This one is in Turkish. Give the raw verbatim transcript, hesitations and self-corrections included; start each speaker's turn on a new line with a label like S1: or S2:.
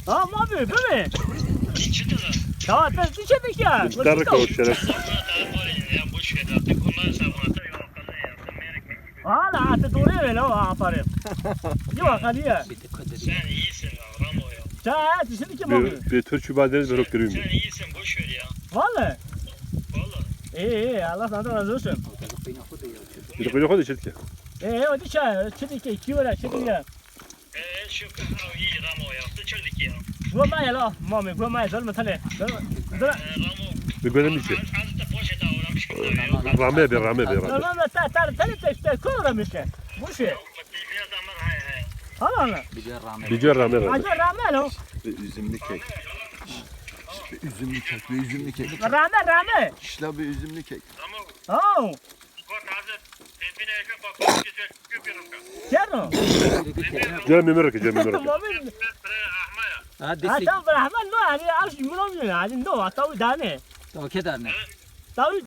S1: Ha mı abi böyle?
S2: Çıktı da.
S1: Tamam ben düşedik ya.
S3: Darık o şeref.
S2: Ya boş ver artık onları savunata yok.
S1: Hala atı doğru öyle o aferin. Yok hadi ya.
S2: Sen iyisin lan Ramo ya.
S1: Sen düşedik ki abi.
S3: Bir, bir tür çubadeniz ben okuyayım.
S2: Sen iyisin boş ver ya.
S1: Vallahi.
S2: Valla.
S1: İyi iyi Allah senden razı olsun.
S3: Bir de koyun koyun içerik ya.
S1: Ee o dışa çıktık ki kiyola çıktık ya.
S2: Eee şu kadar iyi Ramo ya. Sıçırdık ya.
S1: Bu ma ya la mami bu ma ya zalma tane. Dur.
S2: Ramo.
S3: Bir görelim içi.
S2: Azıcık poşete uğramış gibi ya.
S3: Rame bir rame bir rame.
S1: Tamam ta ta ta ta koramış ya. Bu şey.
S2: Bir adamlar hay hay.
S1: Hala.
S3: Bir cür rame rame.
S1: Acı rame lo.
S4: Bir üzümlü kek. Bir üzümlü kek, bir üzümlü kek.
S1: Rame rame.
S4: İşte bir üzümlü kek.
S2: Ramo.
S1: Oh.
S2: Kort hazır. Tepine ekip bak. Güzel küpürüm ka.
S1: Kero.
S3: Gel mimir ki gel mimir ki.
S1: Mami.
S2: Bre ahmaya.
S5: Ha
S1: Ha
S5: destek.
S1: tamam Rahman no hadi al şu bunu ne hadi no tavu dane.
S5: Tamam kedar ne?
S1: Tavu